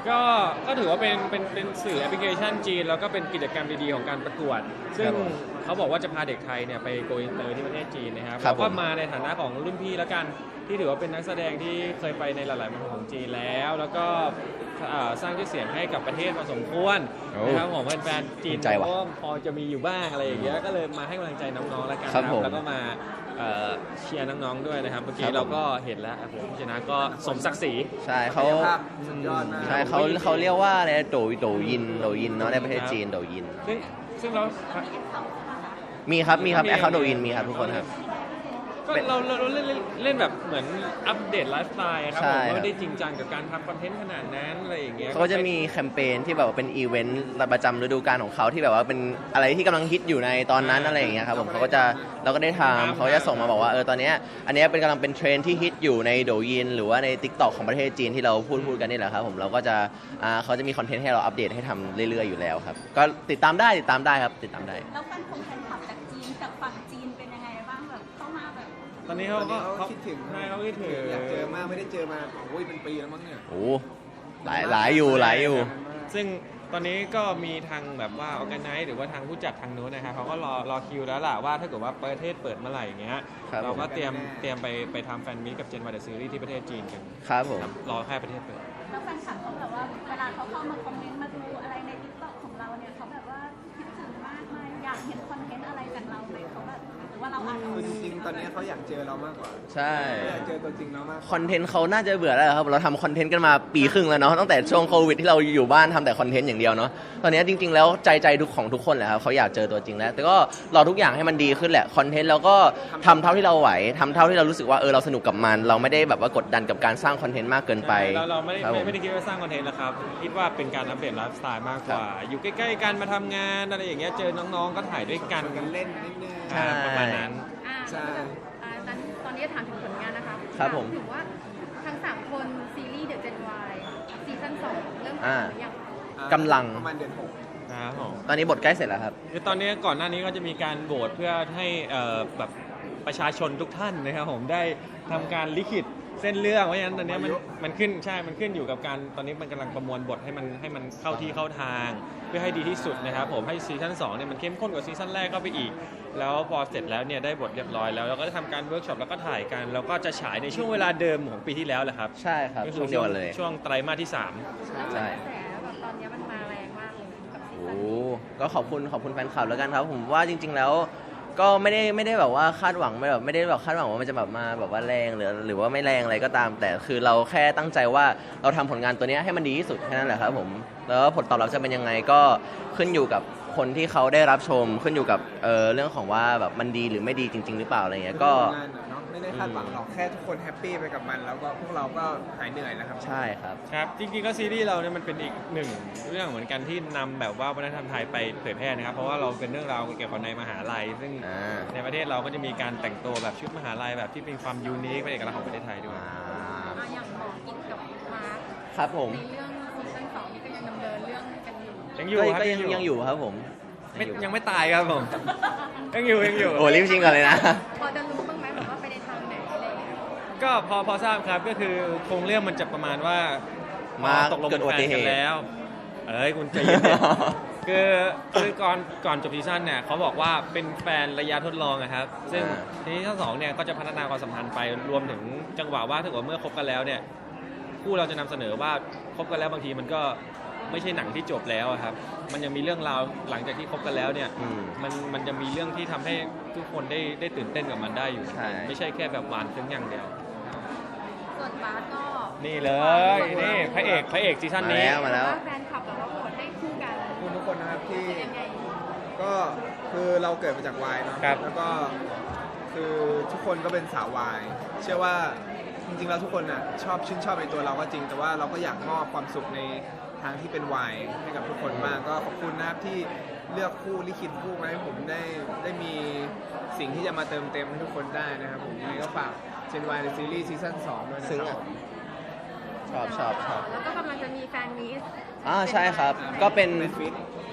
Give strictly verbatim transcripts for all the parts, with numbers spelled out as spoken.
ก็ก็ถือว่าเป็นเป็นเป็นสื่อแอปพลิเคชันจีนแล้วก็เป็นกิจกรรมดีๆของการประกวดซึ่งเขาบอกว่าจะพาเด็กไทยเนี่ยไปโกอินเตอร์ที่ประเทศจีนนะครับเราก็มาในฐานะของรุ่นพี่แล้วกันที่ถือว่าเป็นนักแสดงที่เคยไปในหลายๆเมืองของจีนแล้วแล้วก็สร้างชื่อเสียงให้กับประเทศพอสมควรนะครับของแฟนๆจีนก็พอจะมีอยู่บ้างอะไรอย่างเงี้ยก็เลยมาให้กำลังใจน้องๆแล้วกันครับแล้วก็มาเชียร์น้องๆด้วยนะครับเมื่อกี้เราก็เห็นแล้วผมชนะก็สมศักดิ์ศรีใช่เขาใช่เขาเขาเรียกว่าอะไรโดยโดยินโดยินเนาะในประเทศจีนโดยินซึ่งซึ่งเรามีครับมีครับแอคเคาท์โดยินมีครับทุกคนครับก็เราเราเล่นเล่นแบบเหมือนอัปเดตไลฟ์สไตล์ครับผมไม่ได้จริงจังกับการทำคอนเทนต์ขนาดนั้นอะไรอย่างเงี้ยเขาจะมีแคมเปญที่แบบว่าเป็นอีเวนต์ประจำฤดูกาลของเขาที่แบบว่าเป็นอะไรที่กำลังฮิตอยู่ในตอนนั้นอะไรอย่างเงี้ยครับผมเขาก็จะเราก็ได้ทำเขาจะส่งมาบอกว่าเออตอนนี้อันนี้เป็นกำลังเป็นเทรนที่ฮิตอยู่ในโดยินหรือว่าใน ติ๊กต็อก ของประเทศจีนที่เราพูดพูดกันนี่แหละครับผมเราก็จะอ่าเขาจะมีคอนเทนต์ให้เราอัปเดตให้ทำเรื่อยๆอยู่แล้วครับก็ติดตามได้ติดตามได้ครับติดตามได้แล้วแฟนคงแฟนคลับจากจีนกับฝั่งจีนเป็นยังไงบ้างแบบเข้ามาแบบตอนนี้เขาก็เขาคิดถึงใช่เขาคิดถึงอยากเจอมากไม่ได้เจอมาโอ้ยเป็นปีแล้วมั้งเนี่ยโอ้หลายหลายอยู่หลายอยู่ซึ่งตอนนี้ก็มีทางแบบว่าออร์แกไนซ์หรือว่าทางผู้จัดทางนู้นนะครับเขาก็รอรอคิวแล้วล่ะว่าถ้าเกิดว่าประเทศเปิดเมื่อไหร่อย่างเงี้ยเราก็เตรียมเตรียมไปไปทำแฟนมีตกับเจนวายเดอะซีรีส์ที่ประเทศจีนกันครับผมรอแค่ประเทศเปิดแล้วแฟนคลับเขาแบบว่าเวลาเขาเข้ามาคอมเมนต์มาดูอะไรในติ๊กต็อกของเราเนี่ยเขาแบบว่าคิดถึงมากไหมอยากเห็นคอนเทนต์อะไรจากเราไหมเขาแบบหรือว่าเราอ่านคือจริงๆตอนนี้เขาอยากเจอเรามากกว่าใช่อยากเจอตัวจริงเรามากคอนเทนต์เขาน่าจะเบื่อแล้วครับเราทำคอนเทนต์กันมาปีครึ่งแล้วเนาะตั้งแต่ช่วงโควิดที่เราอยู่บ้านทำแต่คอนเทนต์อย่างเดียวเนาะตอนนี้จริงๆแล้วใจใจทุกของทุกคนแหละครับเขาอยากเจอตัวจริงแล้วแต่ก็รอทุกอย่างให้มันดีขึ้นแหละคอนเทนต์เราก็ทำเท่าที่เราไหวทำเท่าที่เรารู้สึกว่าเออเราสนุกกับมันเราไม่ได้แบบว่ากดดันกับการสร้างคอนเทนต์มากเกินไปเราเราไม่ได้ไม่ได้คิดว่าสร้างคอนเทนต์นะครับคิดว่าเป็นการอัปเดตไลฟ์สไตล์มากกว่าอยู่ใกล้ๆกันมาทำงานอะไรอย่างเงี้ยเจอน้องๆก็ถ่ายด้วยกันกันเล่นนิดนึงประมาณนั้นใช่ตอนนี้ถามถึงผลงานนะคะครับผมถึงว่าทั้งสามคนซีรีส์เดอะเจนวายซีซั่นสองเริ่มถ่ายหรือยังกำลังประมาณเดือนหกครับผมตอนนี้บทใกล้เสร็จแล้วครับคือตอนนี้ก่อนหน้านี้ก็จะมีการโหวตเพื่อให้แบบประชาชนทุกท่านนะครับผมได้ทำการลิขิตเส้นเรื่องเพราะฉะนั้นตอนนี้มันมันขึ้นใช่มันขึ้นอยู่กับการตอนนี้มันกำลังประมวลบทให้มันให้มันเข้าที่เข้าทางเพื่อให้ดีที่สุดนะครับผมให้ซีซั่นสองเนี่ยมันเข้มข้นกว่าซีซั่นแรกเข้าไปอีกแล้วพอเสร็จแล้วเนี่ยได้บทเรียบร้อยแล้วเราก็จะทำการเวิร์กช็อปแล้วก็ถ่ายกันแล้วก็จะฉายในช่วงเวลาเดิมของปีที่แล้วแหละครับใช่ครับช่วงเดียวเลยช่วงไตรมาสที่สามใช่แบบตอนนี้มันมาแรงมากเลยกับซีซั่นโอ้ก็ขอบคุณขอบคุณแฟนคลับแล้วกันครับผมว่าจริงๆแล้วก็ไม่ได้ไม่ได้แบบว่าคาดหวังไม่แบบไม่ได้แบบคาดหวังว่ามันจะแบบมาแบบว่าแรงหรือหรือว่าไม่แรงอะไรก็ตามแต่คือเราแค่ตั้งใจว่าเราทำผลงานตัวนี้ให้มันดีที่สุดแค่นั้นแหละครับผมแล้วผลตอบรับจะเป็นยังไงก็ขึ้นอยู่กับคนที่เขาได้รับชมขึ้นอยู่กับเอ่อเรื่องของว่าแบบมันดีหรือไม่ดีจริงๆหรือเปล่าอะไรเงี้ยก็ไม่ได้คาดหวังหรอกแค่ทุกคนแฮปปี้ไปกับมันแล้วก็พวกเราก็หายเหนื่อยนะครับใช่ครับครับจริงๆก็ซีรีส์เราเนี่ยมันเป็นอีกหนึ่งเรื่องเหมือนกันที่นำแบบว่าวัฒนธรรมไทยไปเผยแพร่นะครับเพราะว่าเราเป็นเรื่องราวเกี่ยวกับในมหาลัยซึ่งในประเทศเราก็จะมีการแต่งตัวแบบชุดมหาลัยแบบที่เป็นความยูนิคเป็นเอกลักษณ์ของประเทศไทยด้วยอย่างหมอกินกับมาร์คครับผมในเรื่องซีซั่นสองนี่ก็ยังดำเนินเรื่องกันอยู่ยังอยู่ก็ยังยังอยู่ครับผมยังไม่ตายครับผมยังอยู่ยังอยู่โอ้รีบชิงก่อนเลยนะพอจะรู้บ้างไหมแบบว่าไปในทางไหนอะไรอย่างเงี้ยก็พอพอทราบครับก็คือโครงเรื่องมันจะประมาณว่ามาตกลงเป็นแฟนกันแล้วเอ้ยคุณใจเย็นคือคือก่อนก่อนจบซีซั่นเนี่ยเขาบอกว่าเป็นแฟนระยะทดลองนะครับซึ่งซีซั่นสองเนี่ยก็จะพัฒนาความสัมพันธ์ไปรวมถึงจังหวะว่าถ้าเกิดเมื่อคบกันแล้วเนี่ยคู่เราจะนำเสนอว่าคบกันแล้วบางทีมันก็ไม่ใช่หนังที่จบแล้วครับมันยังมีเรื่องราวหลังจากที่คบกันแล้วเนี่ยมันมันจะมีเรื่องที่ทำให้ทุกคนได้ได้ตื่นเต้นกับมันได้อยู่ไม่ใช่แค่แบบหวานเพียงอย่างเดียวส่วนบาสก็นี่เลยนี่พระเอกพระเอกซีซั่นนี้มาแล้วแฟนคลับแบบว่าโหวตให้คู่กันคุณทุกคนนะครับที่ก็คือเราเกิดมาจากวายเนาะแล้วก็คือทุกคนก็เป็นสาววายเชื่อว่าจริงๆแล้วทุกคนอ่ะชอบชื่นชอบในตัวเราก็จริงแต่ว่าเราก็อยากมอบความสุขในทางที่เป็นวายให้กับทุกคนมากก็ขอบคุณนะครับที่เลือกคู่ลิขิตคู่มาให้ผมได้ได้มีสิ่งที่จะมาเติมเต็มให้ทุกคนได้นะครับผมยังไงก็ฝากเจนวายในซีรีส์ซีซั่นสองด้วยนะครับชอบชอบชอบแล้วก็กำลังจะมีแฟนมีตอ่าใช่ครับก็เป็น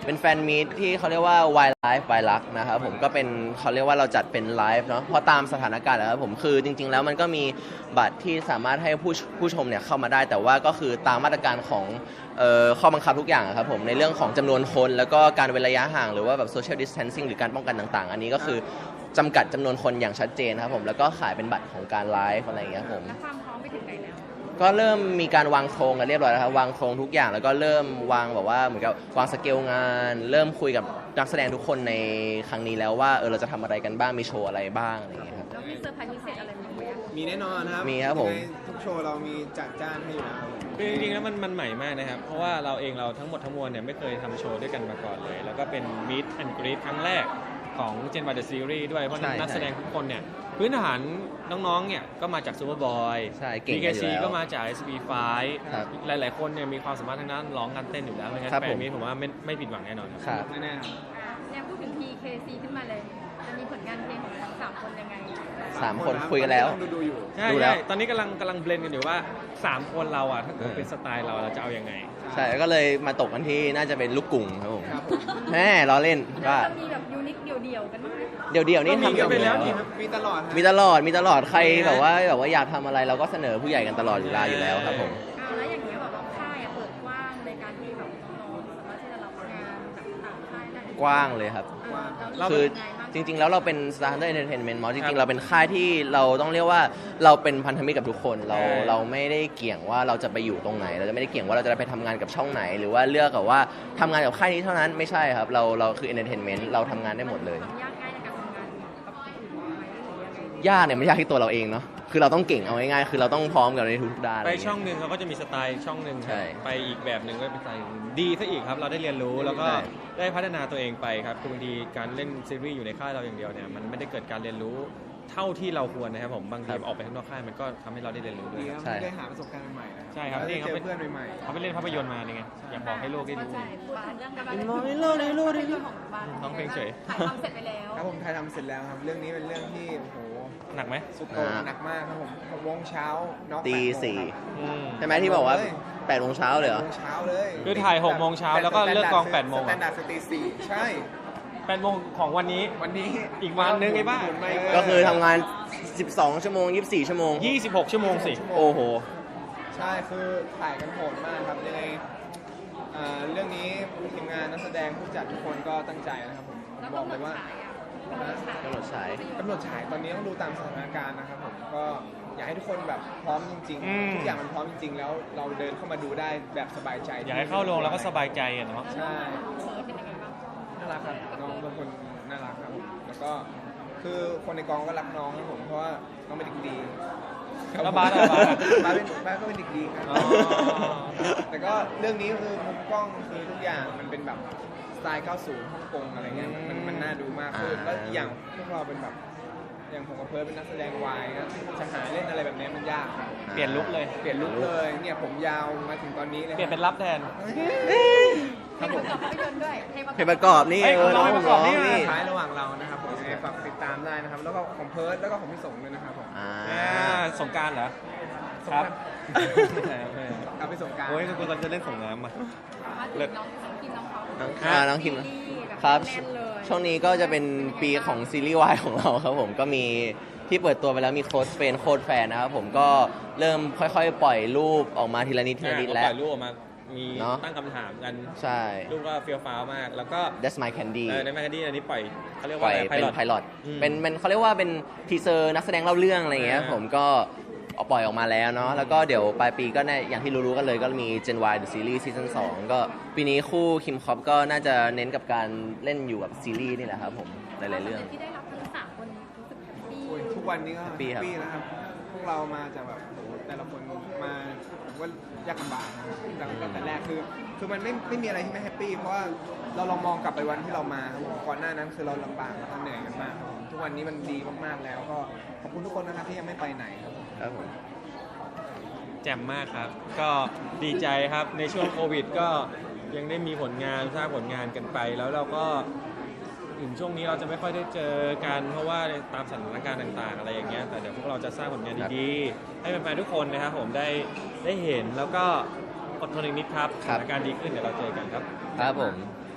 เป็นแฟนมีตที่เขาเรียกว่า Wild Life by Luck นะครับผมก็เป็นเขาเรียกว่าเราจัดเป็นไลฟ์เนาะเพราะตามสถานการณ์แล้วครับผมคือจริงๆแล้วมันก็มีบัตรที่สามารถให้ผู้ผู้ชมเนี่ยเข้ามาได้แต่ว่าก็คือตามมาตรการของเอ่อข้อบังคับทุกอย่างครับผมในเรื่องของจำนวนคนแล้วก็การเว้นระยะห่างหรือว่าแบบ social distancing หรือการป้องกันต่างๆ อันนี้ก็คือจำกัดจำนวนคนอย่างชัดเจนครับผมแล้วก็ขายเป็นบัตรของการไลฟ์อะไรอย่างเงี้ยครับผมแล้วความพร้อมไปถึงไหนแล้วก็เริ่มมีการวางโครงกันเรียบร้อยแล้วครับวางโครงทุกอย่างแล้วก็เริ่มวางแบบว่าเหมือนกับวางสเกลงาน เริ่มคุยกับนักแสดงทุกคนในครั้งนี้แล้วว่าเออเราจะทำอะไรกันบ้างมีโชว์อะไรบ้างอะไรอย่างเงี้ยครับแล้วมีเซอร์ไพรส์พิเศษอะไรไหมอะมีแน่นอนครับมีครับผมยังไงทุกโชว์เรามีจัดจ้านให้อยู่แล้วคือจริงๆแล้วมันมันใหม่มากนะครับเพราะว่าเราเองเราทั้งหมดทั้งมวลเนี่ยไม่เคยทำโชว์ด้วยกันมาก่อนเลย แล้วก็เป็น Meet and Greet ครั้งแรกของ Gen Y The Series ด้วยเพราะใช่นักแสดงใช่ทุกคนเนี่ยพื้นฐานน้องๆเนี่ยก็มาจาก Superboy ใช่เก่งบีกันเคอยู่ซีแล้วก็มาจาก เอส บี ไฟว์ครับหลายๆคนเนี่ยมีความสามารถทางด้านร้องการเต้นอยู่แล้วไม่งั้นครับแฟผนมมีผมว่าไม่ไม่ผิดหวังแน่นอนครับครับแน่ๆครับอ่ะเนี่ยพูดถึง พี เค ซี ขึ้นมาเลย จะมีผลงานเพลงของทั้งสามคนยังไงสามคนคุยกันแล้วดูดูๆอยู่ใช่ดูแล้ใช่วตอนนี้กำลังกำลังเบลนกันอยู่ว่าสามคนเราอ่ะถ้าเกิดเออเป็นสไตล์เราเราจะเอายังไงใช่แล้วก็เลยมาตกกันที่น่าจะเป็นลูกกุ่งครับผมครับผมแม่ล้อเล่นแล้วว่าจะมีแบบยูนิคเดี่ยวๆกันบ้างไหมเดี๋ยวเดี๋ยวๆนี่ก็มีทำกันไปแล้วอยู่นี่มีตลอดฮะมีตลอดมีตลอดใครมีนะแบบว่าแบบว่าอยากทำอะไรเราก็เสนอผู้ใหญ่กันตลอดเวลาอยู่แล้วครับผมอ้าวแล้วอย่างเงี้ยแบบว่าค่ายอะเปิดกว้างในการที่แบบน้องๆสามารถที่จะรับงานแบบต่างค่ายได้กว้างเลยครับเราคือเป็นยังไงบ้างจริงๆ แล้วเราเป็น Standard Entertainment มอจครัริงบๆ เราเป็นค่ายที่เราต้องเรียกว่าเราเป็นพันธมิตรกับทุกคน เราใช่เราไม่ได้เกี่ยงว่าเราจะไปอยู่ตรงไหน เราจะไม่ได้เกี่ยงว่าเราจะไปทำงานกับช่องไหน หรือว่าเลือกกับว่าทำงานกับค่ายนี้เท่านั้นไม่ใช่ครับ เราเราคือ Entertainment เราทำงานได้หมดเลยความยากง่ายในการทำงานกับคนอื่นไหมหรือยังไงยากเนี่ยไม่ยากที่ตัวเราเองเนาะคือเราต้องเก่งเอาง่ายๆคือเราต้องพร้อมกับในทุกๆด้านไปช่องหนึ่งเขาก็จะมีสไตล์ช่องหนึ่งครับใช่ไปอีกแบบหนึ่งก็เป็นสไตล์ดีซะอีกครับ เราได้เรียนรู้แล้วก็ใช่ได้พัฒนาตัวเองไปครับคือบางทีการเล่นซีรีส์อยู่ในค่ายเราอย่างเดียวเนี่ยมันไม่ได้เกิดการเรียนรู้เท่าที่เราควรนะครับผมบางทีออกไปข้างนอกค่ายมันก็ทำให้เราได้เรียนรู้ด้วยดีคครับรับใช่ได้หาประสบการณ์ใหม่ๆนะใช่ครับได้นี่เขาเจเป็อน เพื่อนใหม่ๆเขาไปเล่นภาพยนตร์มานี่ไงอยากบอกให้โลกได้รู้ใช่พูดถึงเรื่องการมองในโลกในโลกในโลกของบ้านร้องเพลงเฉยถ่ายทำเสร็จไปแล้วครับผมถ่ายทำเสร็จแล้วครับ เรื่องนี้เป็นเรื่องที่โอ้โหหนักไหมสุดโต่งหนักมากครับผมหกโมงเช้าน็อกตีแปดโมงสี่ครับอืมใช่ไหมที่บอกว่าแปดโมงเช้าเลยเหรอหกโมงเช้าเลยคือถ่ายหกโมงเช้าแล้วก็เลิกกองแปดโมงสแตนดาร์ดสตีสี่ใช่แปดโมงของวันนี้วันนี้อีกวันนึงไอ้บ้าหมุนไปก็คือทำงาน สิบสอง ชั่วโมง ยี่สิบสี่ ชั่วโมงยี่สิบหกชั่วโมงสิโอ้โหใช่คือถ่ายกันโหดมากครับยังไงอ่าเรื่องนี้ทีมงานนักแสดงผู้จัดทุกคนก็ตั้งใจนะครับผมแล้วบอกกำหนเลดยว่าฉายอ่ะกำหนดฉายกำหนดฉายกำหนดฉายตอนนี้ต้องดูตามสถานการณ์นะครับผมก็อยากให้ทุกคนแบบพร้อมจริงอืมๆทุกอย่างมันพร้อมจริง ๆ แล้วเราเดินเข้ามาดูได้แบบสบายใจอยากให้เข้าโรงแล้วก็สบายใจอะเนาะใช่เฟิร์สเป็นยังไงบ้างน่ารักครับน้องเป็นคนน่ารักครับผมแล้วก็คือคนในกองก็รักน้องครับผมเพราะว่าน้องเป็นเด็กดีแล้วบาสอะบาสอะบาสเป็นบาสก็เป็นเด็กดีครับอ๋อแต่ก็เรื่องนี้คือมุมกล้องคือทุกอย่างมันเป็นแบบสไตล์ เก้าสิบ ฮ่องกงอะไรเงี้ยมันมันน่าดูมากขึ้นอ่าแล้วอีกอย่างพวกเราเป็นแบบอย่างผมกับเพิร์ลเป็นนักแสดงวายนะจะหาเล่นอะไรแบบนี้มันยากครับเปลี่ยนลุคเลยเปลี่ยนลุคเลยเนี่ยผมยาวมาถึงตอนนี้เลยเปลี่ยนเป็นรับแทนเพลงประกอบภาพยนตร์ด้วยเพลงประกอบนี่เฮ้ยเออน้น้ออง งประกร้ออบ งนี่นี่ท้ายระหว่างเรานะครับผมยังไงฝากติดตามได้นะครับ แล้วก็ของเพิร์ลแล้วก็ของพี่สงด้วยนะครับผมอ่าอ่าสงกรารเหรอสงครักบรานต์กลับไปสงกรารโอ้ยกูกำลังจะเล่นสงน้ำอ่ะมาถึงน้องน้องคิมน้องเขาน้องอ่าน้องคิมซีรีส์แครับแน่นเลยช่วงนี้ก็จะเป็นปีของซีรีส์วายของเราครับผมก็มีที่เปิดตัวไปแล้วมีโค้ดเฟนโค้ดแฟนนะครับผมก็เริ่มค่อยๆ ปล่อยรูปออกมาทีละนิดทีละนิดก็แล้ปวล่อยรูปออกมา มีเนอะตั้งคำถามกันใช่รูปก็เฟี้ยวฟ้าวมาก แล้วก็ That's My Candy เออในแมกกาดีนอันนี้ปล่อยเขาเรียกปล่ว่าอยอะไรไพเป็นลอตไพลอตอืมเป็นเป็นเขาเรียกว่าเป็นทีเซอร์นักแสดงเล่าเรื่องอะไรอย่างเงี้ยอ่าผมก็เอาปล่อยออกมาแล้วเนาะแล้วก็เดี๋ยวปลายปีก็แน่อย่างที่รู้ๆกันเลยก็มี Gen Y The Series Season สองก็ปีนี้คู่คิมคอปก็น่าจะเน้นกับการเล่นอยู่กับซีรีส์นี่แหละครับผมหลายๆเรื่องที่ได้รับทั้งสามคนรู้สึกแฮปปี้โอ้ยทุกวันนี้ก็แฮแฮปปปี้ปี้ครับนะครับ พวกเรามาจากแบบโอ้โหแต่ละคนมาผมว่ายากลำบากนะครับตั้งตั้งแต่แรกคือคือมันไม่ไม่มีอะไรที่ไม่แฮปปี้เพราะว่าเราลองมองกลับไปวันที่เรามาครับผมก่อนหน้านั้นคือเราลำบากแล้วก็เหนื่อยกันมากครับผมทุกวันนี้มันดีมากๆแล้วก็ขอบคุณทุกคนนะครับที่ยังไม่ไปไหนครับผมครับผมแจ่มมากครับ ก็ดีใจครับในช่วงโควิดก็ยังได้มีผลงานสร้างผลงานกันไป แล้วเราก็ถึงช่วงนี้เราจะไม่ค่อยได้เจอกันเพราะว่าตามสถานการณ์ต่างๆ อะไรอย่างเงี้ยแต่เดี๋ยวพวกเราจะสร้างผลงานดีๆ ให้แฟนๆทุกคนนะครับผมได้ได้เห็นแล้วก็อดทนอีกนิดครับสครับถานการณ์ดีขึ้นเดี๋ยวเราเจอกันครับครับผม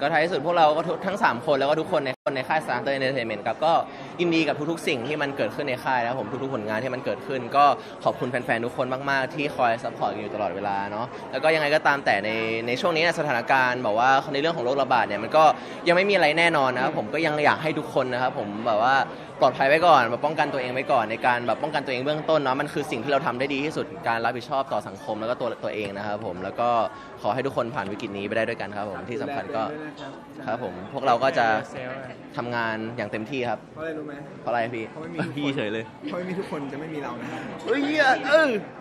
ก็ท้ายที่สุดพวกเราก็ทุกทั้งสามคนแล้วก็ทุกคนในคนในค่าย Starter Entertainment ครับก็ยินดีกับทุกๆสิ่งที่มันเกิดขึ้นในค่ายนะครับผมทุกๆผลงานที่มันเกิดขึ้น ก็ขอบคุณแฟนๆทุกคนมากๆที่คอยซัพพอร์ตกันอยู่ตลอดเวลาเนาะแล้วก็ยังไงก็ตามแต่ในในช่วงนี้สถานการณ์บอกว่าในเรื่องของโรคระบาดเนี่ยมันก็ยังไม่มีอะไรแน่นอนนะครับผมก็ยังอยากให้ทุกคนนะครับผมแบบว่าปลอดภัยไว้ก่อนแบบป้องกันตัวเองไว้ก่อนในการแบบป้องกันตัวเองเบื้องต้นเนาะมันคือสิ่งที่เราทำได้ดีที่สุดการรับผิดชอบต่อสังคมแล้วก็ตัวตัวเองนะครับผมแล้วก็ขอให้ทุกคนผ่านวิกฤตนี้ไปได้ด้วยกันครับผมที่สำคัญก็ครับผมพวกเราก็จะทำงานอย่างเต็มที่ครับเพราะอะไรรู้ไหมเพราะอะไรพี่เพราะไม่มีพี่เฉยเลยเพราะไม่มีทุกคนจะไม่มีเรานะครับเฮ้ยเออ